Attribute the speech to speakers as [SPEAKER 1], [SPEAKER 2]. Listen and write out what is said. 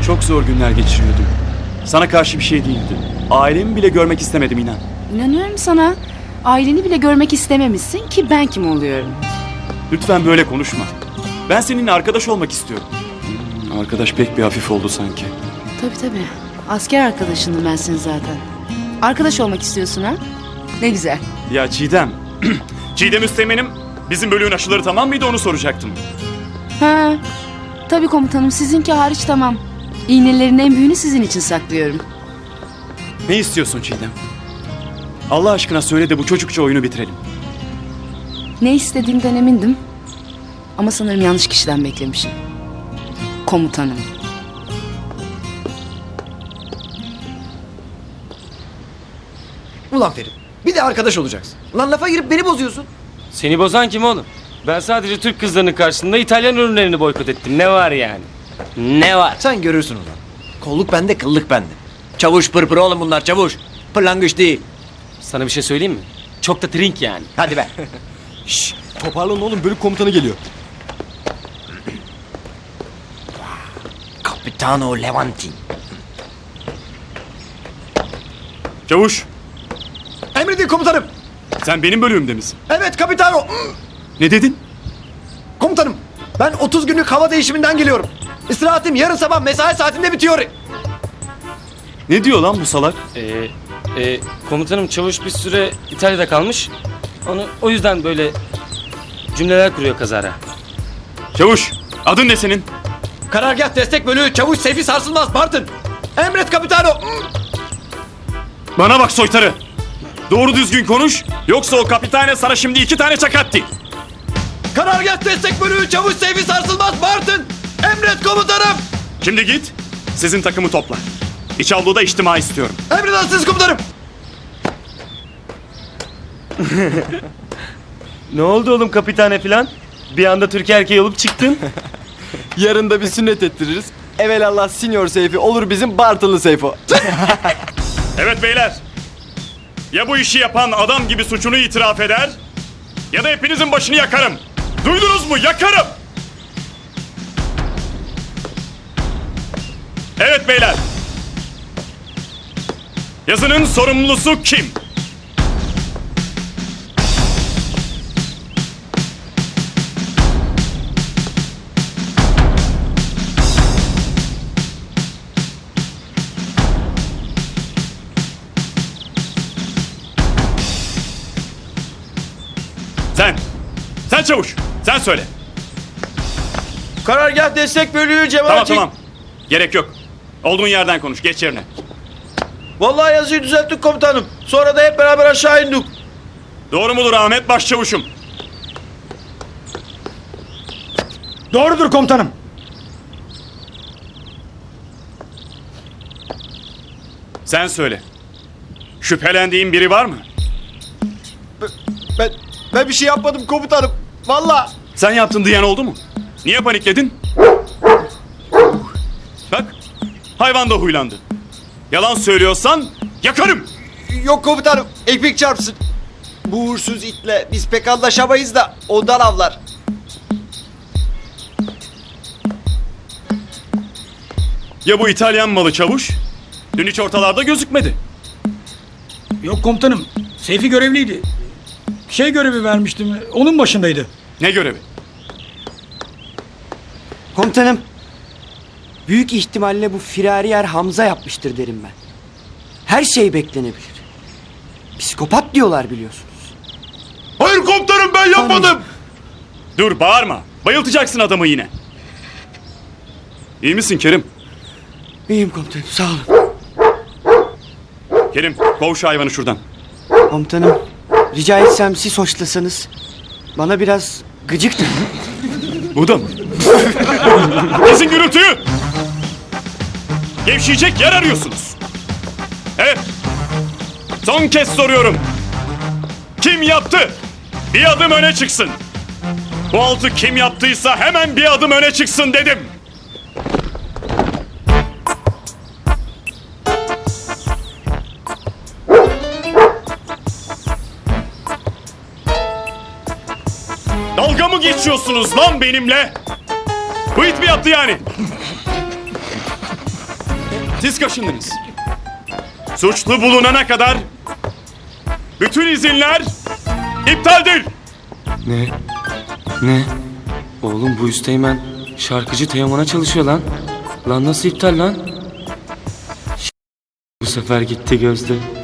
[SPEAKER 1] Çok zor günler geçiriyordum. Sana karşı bir şey değildi. Ailemi bile görmek istemedim inan.
[SPEAKER 2] İnanıyorum sana. Aileni bile görmek istememişsin ki ben kim oluyorum?
[SPEAKER 1] Lütfen böyle konuşma. Ben seninle arkadaş olmak istiyorum. Arkadaş pek bir hafif oldu sanki.
[SPEAKER 2] Tabii. Asker arkadaşındım ben senin zaten. Arkadaş olmak istiyorsun ha? Ne güzel.
[SPEAKER 1] Ya Çiğdem. Çiğdem Üsteğmen'im bizim bölüğün aşıları tamam mıydı onu soracaktım.
[SPEAKER 2] Ha, tabii komutanım, sizinki hariç tamam. İğnelerin en büyüğünü sizin için saklıyorum.
[SPEAKER 1] Ne istiyorsun Çiğdem? Allah aşkına söyle de bu çocukça oyunu bitirelim.
[SPEAKER 2] Ne istediğimden emindim. Ama sanırım yanlış kişiden beklemişim. Komutanım.
[SPEAKER 3] Ulan Ferit, bir de arkadaş olacaksın. Ulan lafa girip beni bozuyorsun.
[SPEAKER 4] Seni bozan kim oğlum? Ben sadece Türk kızlarının karşısında İtalyan ürünlerini boykot ettim. Ne var yani? Ne var?
[SPEAKER 3] Sen görürsün ulan. Kolluk bende, kıllık bende. Çavuş pırpır oğlum bunlar, çavuş. Pırlangıç değil.
[SPEAKER 4] Sana bir şey söyleyeyim mi? Çok da trink yani.
[SPEAKER 3] Hadi be.
[SPEAKER 5] Şşş, toparlanın oğlum, bölük komutanı geliyor.
[SPEAKER 3] Capitano Levanti.
[SPEAKER 1] Çavuş,
[SPEAKER 3] Emredin komutanım.
[SPEAKER 1] sen benim bölüğümde misin?
[SPEAKER 3] Evet Capitano.
[SPEAKER 1] Ne dedin?
[SPEAKER 3] Komutanım, ben 30 günlük hava değişiminden geliyorum. İstirahatim yarın sabah mesai saatinde bitiyor.
[SPEAKER 1] Ne diyor lan bu salak?
[SPEAKER 4] Komutanım çavuş bir süre İtalya'da kalmış. O yüzden böyle cümleler kuruyor kazara.
[SPEAKER 1] Çavuş, adın ne senin?
[SPEAKER 3] Karargah destek bölüğü çavuş Seyfi Sarsılmaz Bartın. Emret Capitano.
[SPEAKER 1] Bana bak soytarı. Doğru düzgün konuş. Yoksa o kapitane sana şimdi 2 tane çakattı.
[SPEAKER 3] Karargah destek bölüğü çavuş Seyfi Sarsılmaz Bartın. Emret komutanım.
[SPEAKER 1] Şimdi git, sizin takımı topla. İç avluda içtima istiyorum.
[SPEAKER 3] Emredersiniz komutanım.
[SPEAKER 4] Ne oldu oğlum kapitane falan? Bir anda Türk erkeği olup çıktın.
[SPEAKER 5] Yarın da bir sünnet ettiririz. Evelallah Senior Seyfi olur bizim Bartınlı Seyfo.
[SPEAKER 1] Evet beyler. Ya bu işi yapan adam gibi suçunu itiraf eder... ...ya da hepinizin başını yakarım. Duydunuz mu? Yakarım. Evet beyler. Yazının sorumlusu kim? Sen. Sen çavuş. Sen söyle.
[SPEAKER 3] Karargah destek bölüğü cemaati.
[SPEAKER 1] Tamam. Gerek yok. Olduğun yerden konuş. Geç yerine.
[SPEAKER 3] Vallahi yazıyı düzelttik komutanım. Sonra da hep beraber aşağı indik.
[SPEAKER 1] Doğru mudur Ahmet Başçavuşum?
[SPEAKER 6] Doğrudur komutanım.
[SPEAKER 1] Sen söyle. Şüphelendiğin biri var mı?
[SPEAKER 5] Ben bir şey yapmadım komutanım. Vallahi.
[SPEAKER 1] Sen yaptın diyen oldu mu? Niye panikledin? Bak, hayvan da huylandı. Yalan söylüyorsan yakarım.
[SPEAKER 5] Yok komutanım, ekmek çarpsın. Bu uğursuz itle biz pek anlaşamayız da ondan avlar.
[SPEAKER 1] Ya bu İtalyan malı çavuş? Dün hiç ortalarda gözükmedi.
[SPEAKER 6] Yok komutanım. Seyfi görevliydi. Görevi vermiştim. Onun başındaydı.
[SPEAKER 1] Ne görevi?
[SPEAKER 7] Komutanım, büyük ihtimalle bu firari yer Hamza yapmıştır derim ben. Her şey beklenebilir. Psikopat diyorlar biliyorsunuz.
[SPEAKER 1] Hayır komutanım ben yapmadım. Dur bağırma. Bayıltacaksın adamı yine. İyi misin Kerim?
[SPEAKER 7] İyiyim komutanım, sağ olun.
[SPEAKER 1] Kerim kov şu hayvanı şuradan.
[SPEAKER 7] Komutanım, rica etsem siz hoşlasanız. Bana biraz gıcıktır.
[SPEAKER 1] Bu da mı? Kesin gürültüyü. Gevşeyecek yer arıyorsunuz. Evet. Son kez soruyorum. Kim yaptı? Bir adım öne çıksın. Bu altı kim yaptıysa hemen bir adım öne çıksın dedim. Dalga mı geçiyorsunuz lan benimle? Bu it mi yaptı yani? Siz kaşındınız. Suçlu bulunana kadar bütün izinler iptaldir.
[SPEAKER 4] Ne? Oğlum bu üsteğmen şarkıcı Teoman'a çalışıyor lan. Lan nasıl iptal lan? Bu sefer gitti Gözde.